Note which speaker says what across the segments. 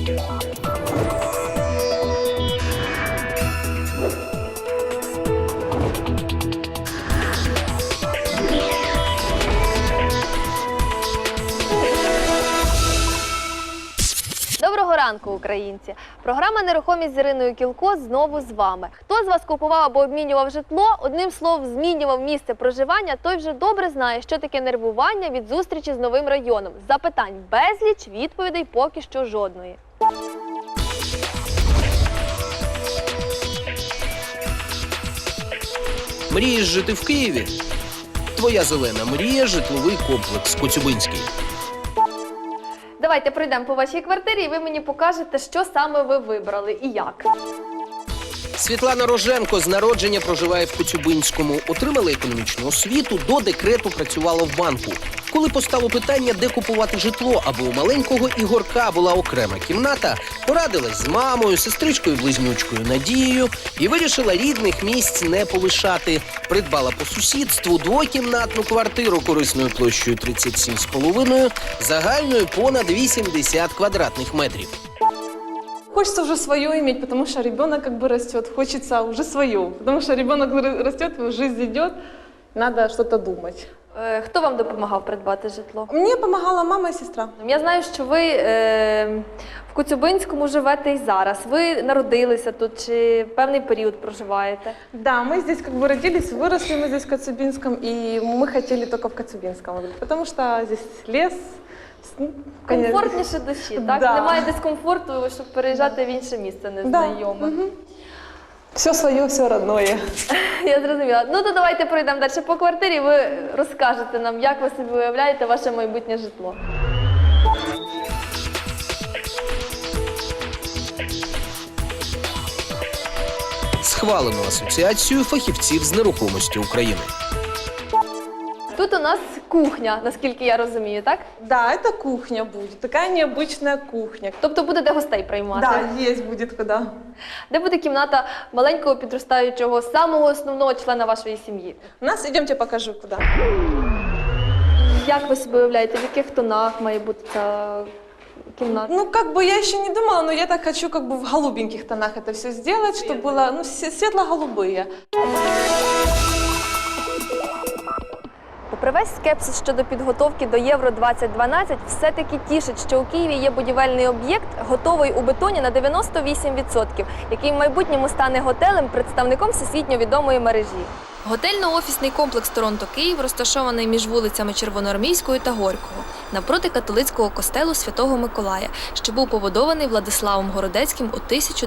Speaker 1: Доброго ранку, українці! Програма «Нерухомість» з Іриною Кілко знову з вами. Хто з вас купував або обмінював житло, одним словом змінював місце проживання, той вже добре знає, що таке нервування від зустрічі з новим районом. Запитань безліч, відповідей поки що жодної.
Speaker 2: Мрієш жити в Києві? Твоя зелена мрія – житловий комплекс Коцюбинський.
Speaker 1: Давайте пройдемо по вашій квартирі і ви мені покажете, що саме ви вибрали і як.
Speaker 2: Світлана Роженко з народження проживає в Коцюбинському. Отримала економічну освіту, до декрету працювала в банку. Коли постало питання, де купувати житло, аби у маленького Ігорка була окрема кімната, порадилась з мамою, сестричкою-близнючкою Надією і вирішила рідних місць не полишати. Придбала по сусідству двокімнатну квартиру корисною площею 37,5, загальною понад 80 квадратних метрів.
Speaker 3: Хочется уже свое иметь, потому что ребенок как бы растет, хочется уже свое. Потому что ребенок растет, жизнь идет, надо что-то думать.
Speaker 1: Хто вам допомагав придбати житло?
Speaker 3: Мне помогала мама и сестра.
Speaker 1: Я знаю, що ви в Коцюбинському живете і зараз. Ви народилися тут чи певний період проживаєте?
Speaker 3: Да, мы здесь как бы родились, выросли мы здесь в Коцюбинском, и мы хотели только в Коцюбинском, потому что здесь лес.
Speaker 1: Комфортніше душі, так?
Speaker 3: Да.
Speaker 1: Немає дискомфорту, щоб переїжджати в інше місце незнайоме.
Speaker 3: Да. Все свое, все родное.
Speaker 1: Я зрозуміла. Ну то давайте пройдемо далі по квартирі, ви розкажете нам, як ви собі уявляєте ваше майбутнє житло.
Speaker 2: Схвалено Асоціацією фахівців з нерухомості України.
Speaker 1: Тут у нас кухня, наскільки я розумію, так?
Speaker 3: Да, это кухня будет, такая необычная кухня.
Speaker 1: Тобто будете гостей приймати?
Speaker 3: Да, есть будет куда.
Speaker 1: Де буде кімната маленького підростаючого, самого основного члена вашої сім'ї?
Speaker 3: У нас, идемте покажу куда.
Speaker 1: Як ви собі уявляєте, в яких тонах має бути ця кімната?
Speaker 3: Ну, как бы я еще не думала, но я так хочу как бы в голубеньких тонах это все сделать, чтобы было, ну, светло-голубые.
Speaker 1: Попри весь скепсис щодо підготовки до Євро-2012, все-таки тішить, що у Києві є будівельний об'єкт, готовий у бетоні на 98%, який в майбутньому стане готелем, представником всесвітньо відомої мережі. Готельно-офісний комплекс «Торонто-Київ» розташований між вулицями Червоноармійською та Горького, навпроти католицького костелу Святого Миколая, що був побудований Владиславом Городецьким у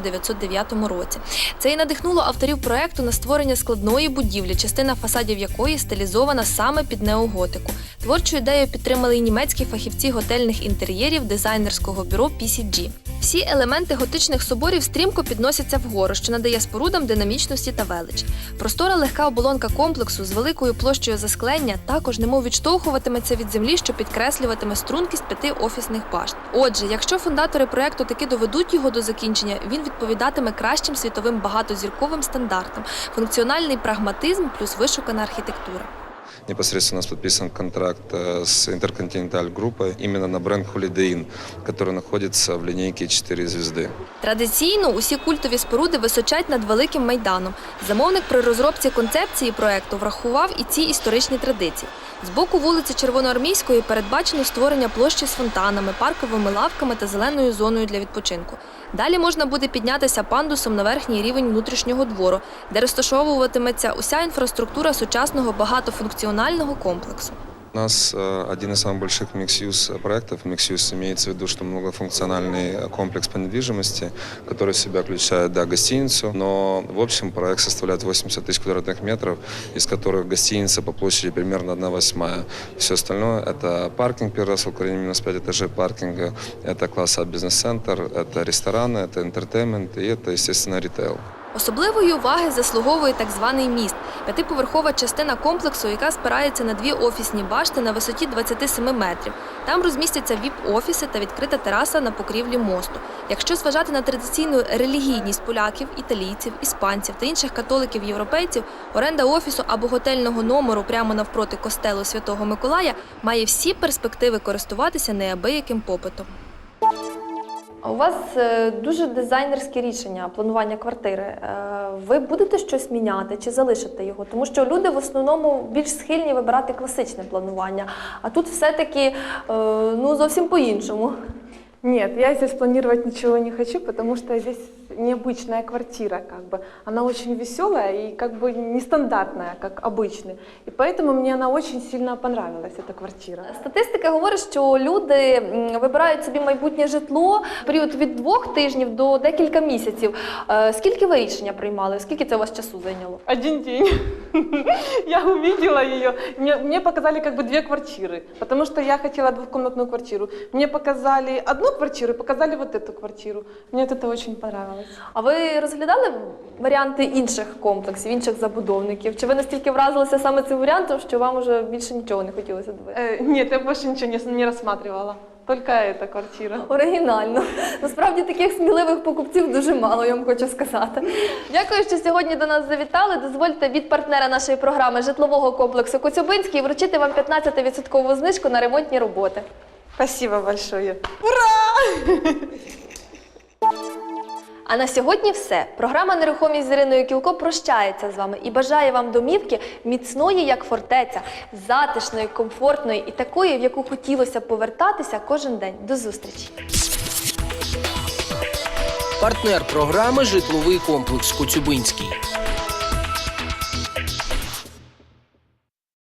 Speaker 1: 1909 році. Це і надихнуло авторів проекту на створення складної будівлі, частина фасадів якої стилізована саме під неоготику. Творчу ідею підтримали й німецькі фахівці готельних інтер'єрів дизайнерського бюро PCG. Всі елементи готичних соборів стрімко підносяться вгору, що надає спорудам динамічності та велич. Простора легка оболонка комплексу з великою площею засклення також немов відштовхуватиметься від землі, що підкреслюватиме стрункість 5 офісних башт. Отже, якщо фундатори проєкту таки доведуть його до закінчення, він відповідатиме кращим світовим багатозірковим стандартам, функціональний прагматизм плюс вишукана архітектура.
Speaker 4: Непосредственно у нас подписан контракт с Intercontinental группой именно на бренд Holiday Inn, который находится в линейке 4 звезды.
Speaker 1: Традиційно усі культові споруди височать над Великим Майданом. Замовник при розробці концепції проекту врахував і ці історичні традиції. З боку вулиці Червоноармійської передбачено створення площі з фонтанами, парковими лавками та зеленою зоною для відпочинку. Далі можна буде піднятися пандусом на верхній рівень внутрішнього двору, де розташовуватиметься уся інфраструктура сучасного багатофункціонального комплексу.
Speaker 4: У нас один из самых больших микс-юз проектов. Микс-юз имеется в виду, что многофункциональный комплекс по недвижимости, который в себя включает, да, гостиницу, но в общем проект составляет 80 тысяч квадратных метров, из которых гостиница по площади примерно 1/8. Все остальное – это паркинг, первый раз в Украине минус 5 этажей паркинга, это класс А бизнес-центр, это рестораны, это интертеймент и это, естественно, ритейл.
Speaker 1: Особливої уваги заслуговує так званий міст – п'ятиповерхова частина комплексу, яка спирається на 2 офісні башти на висоті 27 метрів. Там розмістяться ВІП-офіси та відкрита тераса на покрівлі мосту. Якщо зважати на традиційну релігійність поляків, італійців, іспанців та інших католиків-європейців, оренда офісу або готельного номеру прямо навпроти костелу Святого Миколая має всі перспективи користуватися неабияким попитом. А у вас дуже дизайнерське рішення планування квартири. Ви будете щось міняти чи залишите його? Тому що люди в основному більш схильні вибирати класичне планування, а тут все-таки зовсім по-іншому.
Speaker 3: Нет, я здесь планировать ничего не хочу, потому что здесь необычная квартира, Она очень веселая и нестандартная, как обычная. И поэтому мне она очень сильно понравилась, эта квартира.
Speaker 1: Статистика говорить, що люди вибирають собі майбутнє житло в період від 2 тижнів до декілька місяців. Скільки ви рішення приймали? Скільки це у вас часу зайняло?
Speaker 3: 1 день. Я увидела ее. Мне показали 2 квартиры, потому что я хотела 2-комнатную квартиру. Мне показали одну квартиру, показали вот эту квартиру. Мне это очень понравилось.
Speaker 1: А ви розглядали варіанти інших комплексів, інших забудовників? Чи ви настільки вразилися саме цим варіантом, що вам уже більше нічого не хотілося дивитися?
Speaker 3: Нет, я больше ничего не рассматривала. Только эта квартира.
Speaker 1: Оригінально. Насправді таких сміливих покупців дуже мало, я вам хочу сказати. Дякую, що сьогодні до нас завітали. Дозвольте від партнера нашої програми житлового комплексу Коцюбинський вручити вам 15% знижку на ремонтні роботи.
Speaker 3: Спасибо большое.
Speaker 1: А на сьогодні все. Програма «Нерухомість» з Іриною Кілко прощається з вами і бажає вам домівки міцної, як фортеця, затишної, комфортної і такої, в яку хотілося б повертатися кожен день. До зустрічі!
Speaker 2: Партнер програми «Житловий комплекс Коцюбинський».